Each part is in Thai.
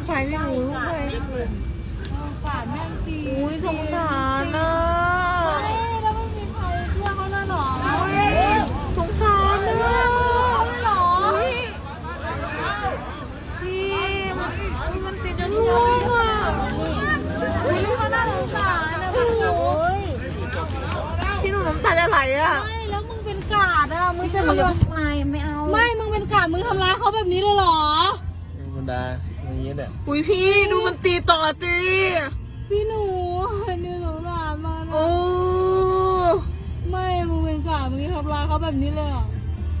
ใครพี่หนูลูกใครกาดแม่งตีอุ้ยสงสารนะแล้วไม่มีใครช่วยเขาเลยหรอสงสารนะหรอพี่มันติดจนหัวอ่ะนี่เขาน่าสงสารนะพี่หนูพี่หนูน้ำตาจะไหลอ่ะไม่แล้วมึงเป็นกาดอ่ะมึงจะมาไม่เอาไม่มึงเป็นกาดมึงทำร้ายเขาแบบนี้เลยหรอธรรมดาอย่างนี้แหละอุ้ยพี่ดูมันตีต่อตีพี่หนูนี่สงสารมันโอ้ไม่มึงเป็นกาดมึงทำร้ายเขาแบบนี้เลยหรอ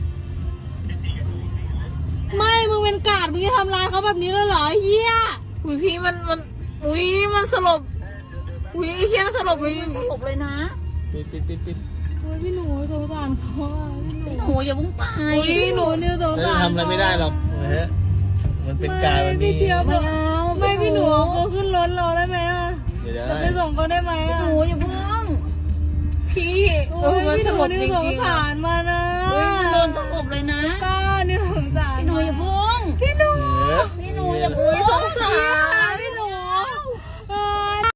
ไม่มึงเป็นกาดมึงทำร้ายเขาแบบนี้เลยหรอเฮียอุ้ยพี่มันอุ้ยมันสลบอุ้ยไอ้เฮียสลบเลยสลบเลยนะปิดโอ้ยพี่หนูสงสารเขาอ่ะพี่หนูหนูอย่าเพิ่งไปพี่หนูเนี่ยสงแล้วสารทำอะไรไม่ได้หรอกนะฮะมันเป็นการมันพี่มีเทียบไม่เอาไม่พี่หนูเอาเขาขึ้นรถเราได้ไหมอ่ะเดี๋ยวจะไปส่งเขาได้ไหมอ่ะหนูอย่าเพิ่งพี่มันพี่สหนูลบนี่จริงสงๆสารมานะโดนสลบเลยนะป้านี่สงสารพี่หนูอย่าเพิ่งพี่หนูเออพี่หนูอย่าเพิ่งสงสาร